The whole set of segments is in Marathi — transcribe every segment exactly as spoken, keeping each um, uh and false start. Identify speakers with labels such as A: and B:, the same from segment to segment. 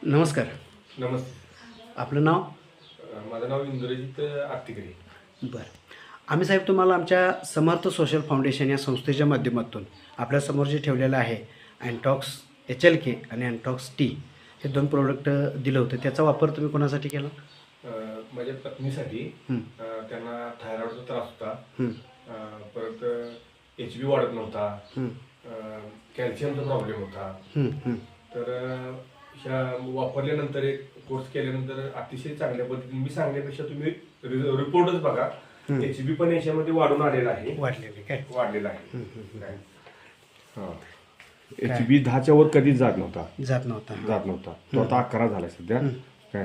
A: नमस्कार.
B: नमस्ते.
A: आपलं नाव?
B: अ, माझं नाव इंद्रजित आत्तिकरे.
A: बरं. आम्ही साहेब तुम्हाला आमच्या समर्थ सोशल फाउंडेशन या संस्थेच्या माध्यमातून आपल्यासमोर जे ठेवलेलं आहे अँटॉक्स एच एल के आणि अँटॉक्स टी हे दोन प्रोडक्ट दिलं होतं. त्याचा वापर तुम्ही कोणासाठी केला?
B: अ, माझ्या पत्नीसाठी
A: हं,
B: अ, त्यांना थायरॉइडचा त्रास होता.
A: हं,
B: अ, परत एच बी वाढत नव्हता.
A: हं,
B: अ, कॅल्शियमचा प्रॉब्लेम होता.
A: हं, हं.
B: तर अ, ह्या वापरल्यानंतर एक कोर्स केल्यानंतर अतिशय चांगल्या पद्धतीने मी सांगण्यापेक्षा तुम्ही रि- रिपोर्टच बघा.
A: हं.
B: एच बी पण याच्यामध्ये वाढून आलेला आहे.
A: वाढलेले काय?
B: वाढलेला आहे.
A: हं, हं, हं.
B: काय? हा.
A: काय?
B: एच बी दहाच्या वर कधीच जात नव्हता.
A: जात नव्हता.
B: जात नव्हता. तो आता अकरा झाला सध्या. काय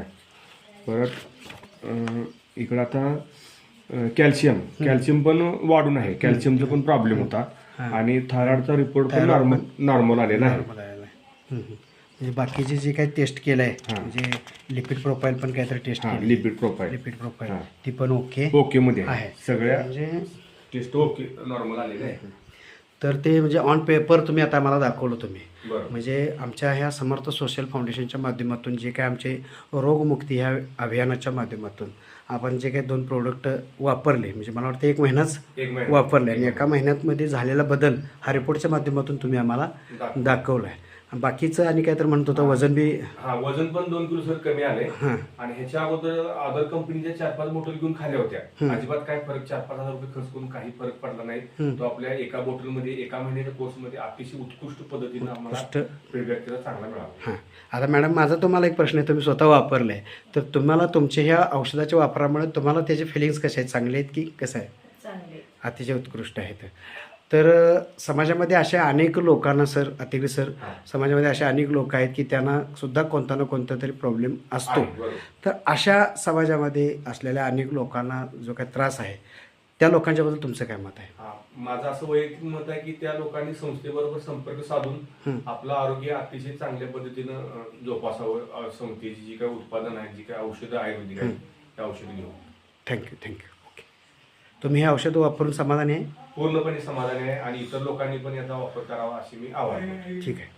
B: परत अं, इकडं आता अं, कॅल्शियम कॅल्शियम पण वाढून आहे. कॅल्शियमचा पण प्रॉब्लेम होता आणि थायरॉइडचा रिपोर्ट पण नॉर्मल नॉर्मल आलेला आहे.
A: नॉर्मल आलेला आहे. हं, हं. म्हणजे बाकीचे जे काही टेस्ट केलं आहे म्हणजे लिपिड प्रोफाईल पण काहीतरी टेस्ट
B: हा
A: केली,
B: लिपिड प्रोफाईल
A: लिपिड प्रोफाईल
B: हां.
A: ती पण ओके
B: ओके मध्ये आहे.
A: आहे.
B: सगळ्या
A: म्हणजे
B: टेस्ट ओके नॉर्मल आलेले आहे.
A: तर ते म्हणजे ऑन पेपर तुम्ही आता मला दाखवलं तुम्ही.
B: बरं.
A: म्हणजे आमच्या ह्या समर्थ सोशल फाउंडेशनच्या माध्यमातून जे काय आमचे रोगमुक्ती ह्या अभियानाच्या माध्यमातून आपण जे काही दोन प्रोडक्ट वापरले म्हणजे मला वाटतं एक महिनाच
B: एक महिना
A: वापरले आणि एका महिन्यामध्ये झालेला बदल हा रिपोर्टच्या माध्यमातून तुम्ही आम्हाला
B: दाखव.
A: दाखवला आहे. बाकीचं आणि काहीतरी म्हणत होतं वजन बी
B: हा वजन पण दोन किलो सर कमी आले.
A: हां
B: आणि ह्याच्या अगोदर अदर कंपनीच्या चार पाच बॉटल घेऊन खाल्ल्या होत्या. अजिबात काय फरक चार पाच हजार रुपये खर्च करून काही फरक पडला नाही. तो आपल्या एका बॉटलमध्ये एका महिन्याच्या कोर्समध्ये अतिशय उत्कृष्ट पद्धतीने आम्हाला फीडबॅक त्याचा चांगला मिळाला.
A: हां आता मॅडम माझा तुम्हाला एक प्रश्न आहे. तुम्ही स्वतः वापरलं आहे तर तुम्हाला तुमच्या ह्या औषधाच्या वापरामुळे तुम्हाला त्याचे फिलिंग्स कसे आहेत? चांगले आहेत की कसं आहे?
C: चांगले.
A: अतिशय उत्कृष्ट आहेत. तर समाजामध्ये अशा अनेक लोकांना सर अतिशय सर समाजामध्ये अशा अनेक लोक आहेत की त्यांना सुद्धा कोणता ना कोणता तरी प्रॉब्लेम असतो.
B: आहे, बरोबर.
A: तर अशा समाजामध्ये असलेल्या अनेक लोकांना जो काही त्रास आहे त्या लोकांच्याबद्दल तुमचं काय मत आहे?
B: हा, माझं असं वैयक्तिक मत आहे की त्या लोकांनी संस्थेबरोबर संपर्क साधून आपलं आरोग्य अतिशय चांगल्या पद्धतीनं अं, जोपासावं. अं, संस्थेची जी काही उत्पादन आहे जी काही औषधं आयुर्वेदिक आहेत त्या औषधं घेऊन
A: थँक्यू थँक्यू ओके. तुम्ही हे औषध वापरून समाधानी आहे?
B: पूर्णपणे समाधानी आहे आणि इतर लोकांनी पण याचा वापर करावा अशी मी आवाहन करतो.
A: ठीक आहे.